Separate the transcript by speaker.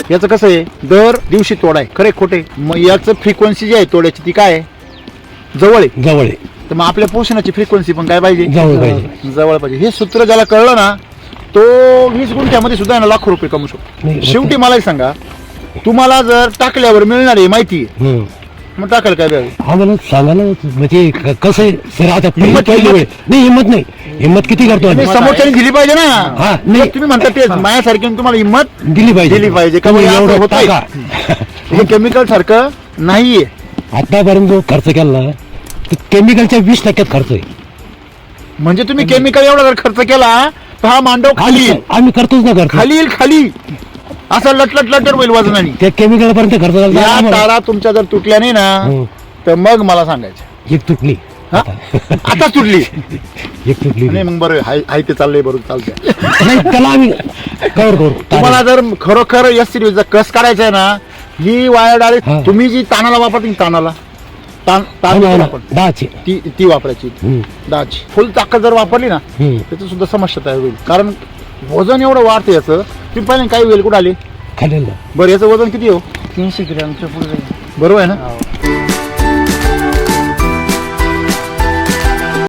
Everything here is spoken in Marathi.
Speaker 1: याचं कसं आहे दर दिवशी तोडाय खरे खोटे मग याचं फ्रिक्वेन्सी जी आहे तोड्याची ती काय आहे जवळ आहे
Speaker 2: जवळ आहे
Speaker 1: तर मग आपल्या पोषणाची फ्रिक्वेन्सी पण काय पाहिजे
Speaker 2: जवळ पाहिजे
Speaker 1: जवळ पाहिजे हे सूत्र ज्याला कळलं ना तो 20 गुंठ्यामध्ये सुद्धा ना लाखो रुपये कमवू शकतो
Speaker 2: नाही,
Speaker 1: शेवटी मला एक सांगा तुम्हाला जर टाकल्यावर मिळणार आहे माहिती आहे
Speaker 2: हम्म.
Speaker 1: मग टाकायला काय द्यावे
Speaker 2: आम्हाला सांगा ना म्हणजे कसं आहे सर आता पहिली वेळ नाही हिंमत किती करतो
Speaker 1: तुम्ही
Speaker 2: आम्ही?
Speaker 1: समोरच्याने दिली पाहिजे ना
Speaker 2: हा, नाही.
Speaker 1: तुम्ही म्हणता तेच मायासारखी तुम्हाला हिंमत
Speaker 2: दिली पाहिजे
Speaker 1: दिली पाहिजे का
Speaker 2: तुम्ही
Speaker 1: म्हणजे
Speaker 2: एवढं
Speaker 1: होतंय.
Speaker 2: टाका.
Speaker 1: हे केमिकल सारखं नाहीये
Speaker 2: आतापर्यंत जो खर्च केला ना तो केमिकलच्या 20% खर्च आहे
Speaker 1: म्हणजे तुम्ही केमिकल एवढा जर खर्च केला तर हा मांडव खाली येईल
Speaker 2: आम्ही करतोच ना खर्च
Speaker 1: खाली येईल खाली असं लटलट होईल वजनाने
Speaker 2: त्या केमिकल पर्यंत खर्च झाला
Speaker 1: या
Speaker 2: आम्हाला.
Speaker 1: तारा तुमच्या जर तुटल्या नाही ना
Speaker 2: हम्म.
Speaker 1: तर मग मला सांगायचं
Speaker 2: एक तुटली
Speaker 1: हा? आता तुटली
Speaker 2: एक तुटली
Speaker 1: नाही मग बरं हाय ते चाललंय बरोबर चालतंय
Speaker 2: नाही त्याला आम्ही कव्हर करू
Speaker 1: तुम्हाला जर खरोखर या सिरीजचा कस करायचा आहे ना ही वायर
Speaker 2: हा.
Speaker 1: डायरेक्ट तुम्ही जी तानाला वापरता तानाला ताण
Speaker 2: हो ना, हो ना.
Speaker 1: आपण
Speaker 2: 10ची.
Speaker 1: ती वापरायची
Speaker 2: हम्म.
Speaker 1: 10ची फुल ताकद जर वापरली ना
Speaker 2: हम्म.
Speaker 1: त्याचं सुद्धा समस्या तयार होईल कारण वजन एवढं वाढतं याचं तुम्ही पाहिलं काही वेळ कुठं आले
Speaker 2: खाल्लेलं
Speaker 1: बरं याचं वजन किती हो
Speaker 3: 300 ग्रॅमच्या पुढे
Speaker 1: बरोबर आहे ना